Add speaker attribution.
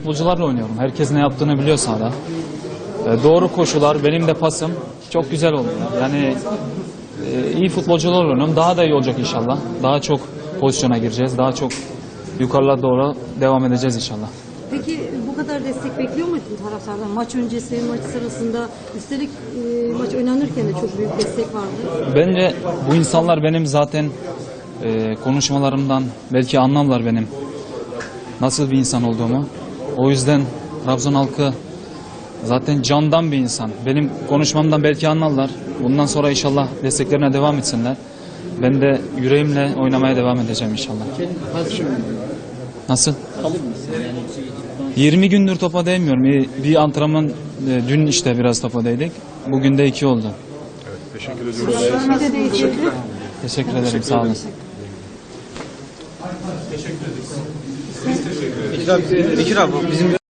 Speaker 1: futbolcularla oynuyorum. Herkes ne yaptığını biliyor sahada. Doğru koşular, benim de pasım çok güzel oluyor. Yani iyi futbolcularla oynuyorum. Daha da iyi olacak inşallah. Daha çok pozisyona gireceğiz. Daha çok yukarılara doğru devam edeceğiz inşallah.
Speaker 2: Peki bu kadar destek bekliyor muydun taraftardan? Maç öncesi, maç sırasında, üstelik maç oynanırken de çok büyük destek vardı.
Speaker 1: Bence bu insanlar benim zaten konuşmalarımdan belki anlarlar benim nasıl bir insan olduğumu. O yüzden Trabzon halkı zaten candan bir insan. Benim konuşmamdan belki anlarlar. Bundan sonra inşallah desteklerine devam etsinler. Ben de yüreğimle oynamaya devam edeceğim inşallah. Nasıl? 20 gündür topa değmiyorum. Bir antrenman dün işte biraz topa değdik. Bugün de 2 oldu.
Speaker 3: Teşekkür ediyoruz.
Speaker 1: Teşekkür ederim. Sağ olun.
Speaker 4: Bekir abi bizim